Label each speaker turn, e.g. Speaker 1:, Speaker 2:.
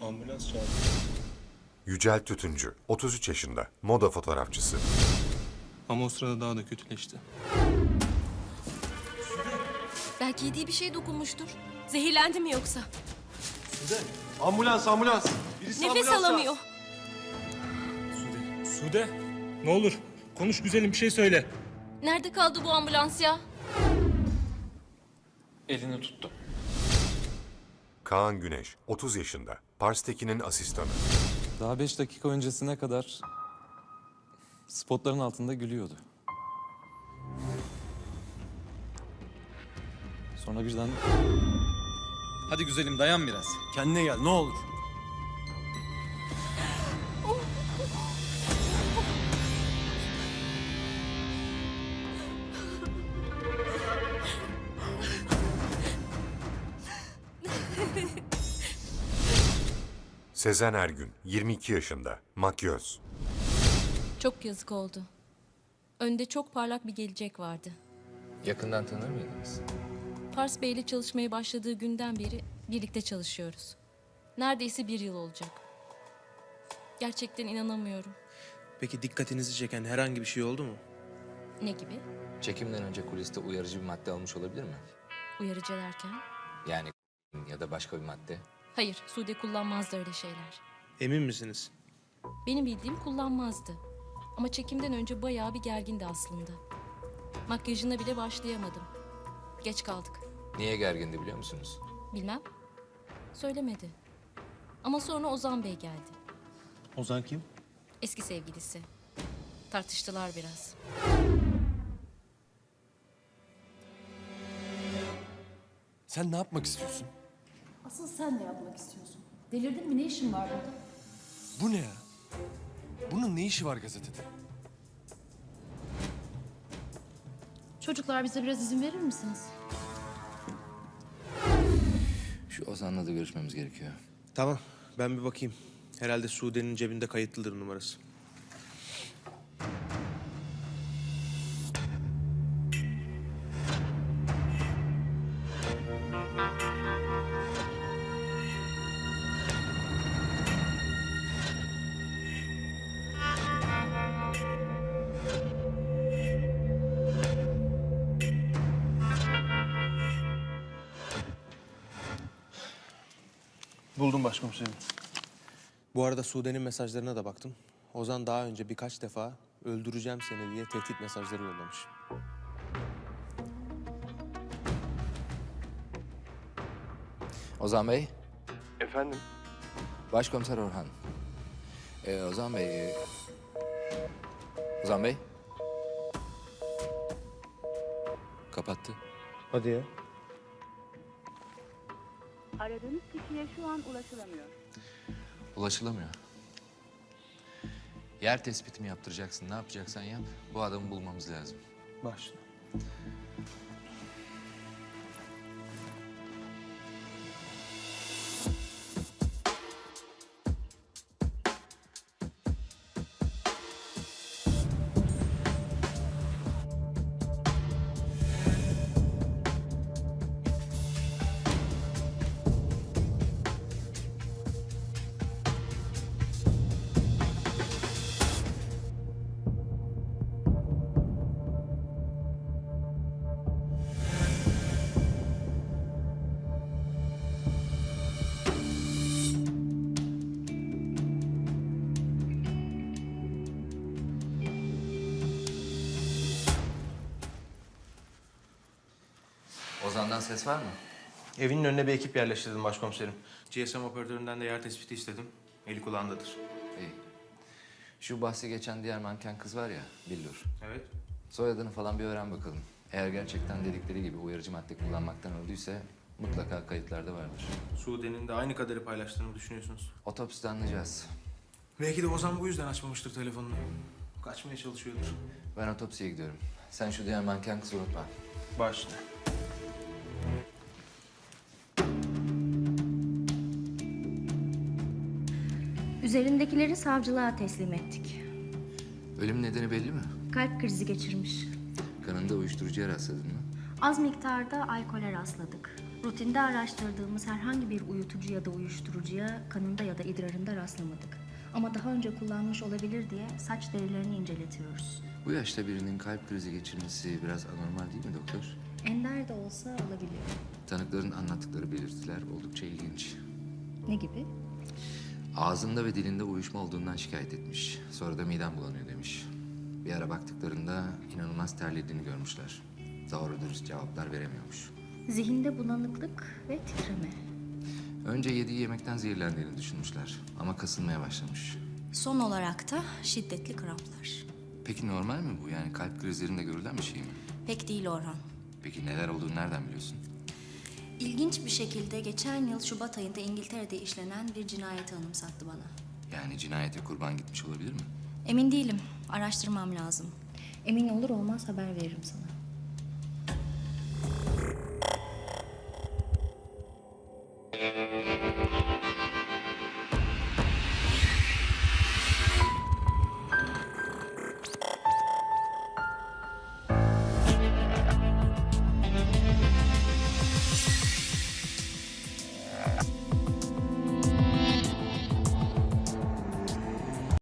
Speaker 1: Ambulans çağırdı.
Speaker 2: Yücel Tütüncü, 33 yaşında, moda fotoğrafçısı.
Speaker 1: Ama o sırada daha da kötüleşti.
Speaker 3: Belki yediği bir şey dokunmuştur. Zehirlendi mi yoksa?
Speaker 4: Ambulans, ambulans. Birisi
Speaker 3: Nefes
Speaker 4: ambulans
Speaker 3: alamıyor.
Speaker 1: Sude, ne olur konuş güzelim, bir şey söyle.
Speaker 3: Nerede kaldı bu ambulans ya?
Speaker 5: Elini tuttu.
Speaker 2: Kaan Güneş, 30 yaşında, Pars Tekin'in asistanı.
Speaker 5: Daha 5 dakika öncesine kadar spotların altında gülüyordu. Sonra birden... Hadi güzelim dayan biraz.
Speaker 4: Kendine gel, ne olur.
Speaker 2: Sezen Ergün, 22 yaşında, makyöz.
Speaker 3: Çok yazık oldu. Önde çok parlak bir gelecek vardı.
Speaker 6: Yakından tanır mıydınız?
Speaker 3: Pars Bey ile çalışmaya başladığı günden beri birlikte çalışıyoruz. Neredeyse 1 yıl olacak. Gerçekten inanamıyorum.
Speaker 7: Peki dikkatinizi çeken herhangi bir şey oldu mu?
Speaker 3: Ne gibi?
Speaker 6: Çekimden önce kuliste uyarıcı bir madde almış olabilir mi?
Speaker 3: Uyarıcı derken?
Speaker 6: Yani ya da başka bir madde.
Speaker 3: Hayır, Sude kullanmazdı öyle şeyler.
Speaker 7: Emin misiniz?
Speaker 3: Benim bildiğim kullanmazdı. Ama çekimden önce bayağı bir gergindi aslında. Makyajına bile başlayamadım. Geç kaldık.
Speaker 6: Niye gergindi biliyor musunuz?
Speaker 3: Bilmem. Söylemedi. Ama sonra Ozan Bey geldi.
Speaker 7: Ozan kim?
Speaker 3: Eski sevgilisi. Tartıştılar biraz.
Speaker 4: Sen ne yapmak istiyorsun?
Speaker 8: Asıl sen ne yapmak istiyorsun? Delirdin mi? Ne işin var burada?
Speaker 4: Bu ne ya? Bunun ne işi var gazetede?
Speaker 8: Çocuklar bize biraz izin verir misiniz?
Speaker 6: Şu Ozan'la da görüşmemiz gerekiyor.
Speaker 7: Tamam, ben bir bakayım. Herhalde Sude'nin cebinde kayıtlıdır numarası. Buldum başkomiserim. Bu arada Sude'nin mesajlarına da baktım. Ozan daha önce birkaç defa öldüreceğim seni diye tehdit mesajları yollamış.
Speaker 6: Ozan Bey,
Speaker 4: Efendim?
Speaker 6: Başkomiser Orhan. Ozan Bey... Ozan Bey? Kapattı.
Speaker 7: Hadi ya.
Speaker 9: Aradığınız kişiye şu an ulaşılamıyor.
Speaker 6: Ulaşılamıyor. Yer tespiti mi yaptıracaksın, ne yapacaksan yap. Bu adamı bulmamız lazım.
Speaker 7: Başla.
Speaker 6: Ozan'dan ses var mı?
Speaker 7: Evinin önüne bir ekip yerleştirdim başkomiserim. GSM operatöründen de yer tespiti istedim. Eli kulağındadır.
Speaker 6: İyi. Şu bahsi geçen diğer manken kız var ya, Billur.
Speaker 7: Evet.
Speaker 6: Soyadını falan bir öğren bakalım. Eğer gerçekten dedikleri gibi uyarıcı madde kullanmaktan öldüyse mutlaka kayıtlarda vardır.
Speaker 7: Sude'nin de aynı kadarı paylaştığını düşünüyorsunuz.
Speaker 6: Otopside anlayacağız.
Speaker 7: Belki de Ozan bu yüzden açmamıştır telefonunu. Kaçmaya çalışıyordur.
Speaker 6: Ben otopsiye gidiyorum. Sen şu diğer manken kızı unutma.
Speaker 7: Başla.
Speaker 10: Üzerindekileri savcılığa teslim ettik.
Speaker 6: Ölüm nedeni belli mi?
Speaker 10: Kalp krizi geçirmiş.
Speaker 6: Kanında uyuşturucuya rastladın mı?
Speaker 10: Az miktarda alkole rastladık. Rutinde araştırdığımız herhangi bir uyutucu ya da uyuşturucuya kanında ya da idrarında rastlamadık. Ama daha önce kullanmış olabilir diye saç derilerini inceletiyoruz.
Speaker 6: Bu yaşta birinin kalp krizi geçirmesi biraz anormal değil mi doktor?
Speaker 10: Ender de olsa olabiliyor.
Speaker 6: Tanıkların anlattıkları belirtiler oldukça ilginç.
Speaker 10: Ne gibi?
Speaker 6: Ağzında ve dilinde uyuşma olduğundan şikayet etmiş. Sonra da midem bulanıyor demiş. Bir ara baktıklarında inanılmaz terlediğini görmüşler. Doğru dürüst cevaplar veremiyormuş.
Speaker 10: Zihinde bulanıklık ve titreme.
Speaker 6: Önce yediği yemekten zehirlendiğini düşünmüşler. Ama kasılmaya başlamış.
Speaker 10: Son olarak da şiddetli kramplar.
Speaker 6: Peki normal mi bu? Yani kalp krizlerinde görülen bir şey mi?
Speaker 10: Pek değil Orhan.
Speaker 6: Peki neler olduğunu nereden biliyorsun?
Speaker 10: İlginç bir şekilde geçen yıl Şubat ayında İngiltere'de işlenen bir cinayeti anımsattı bana.
Speaker 6: Yani cinayete kurban gitmiş olabilir mi?
Speaker 10: Emin değilim. Araştırmam lazım. Emin olur olmaz haber veririm sana.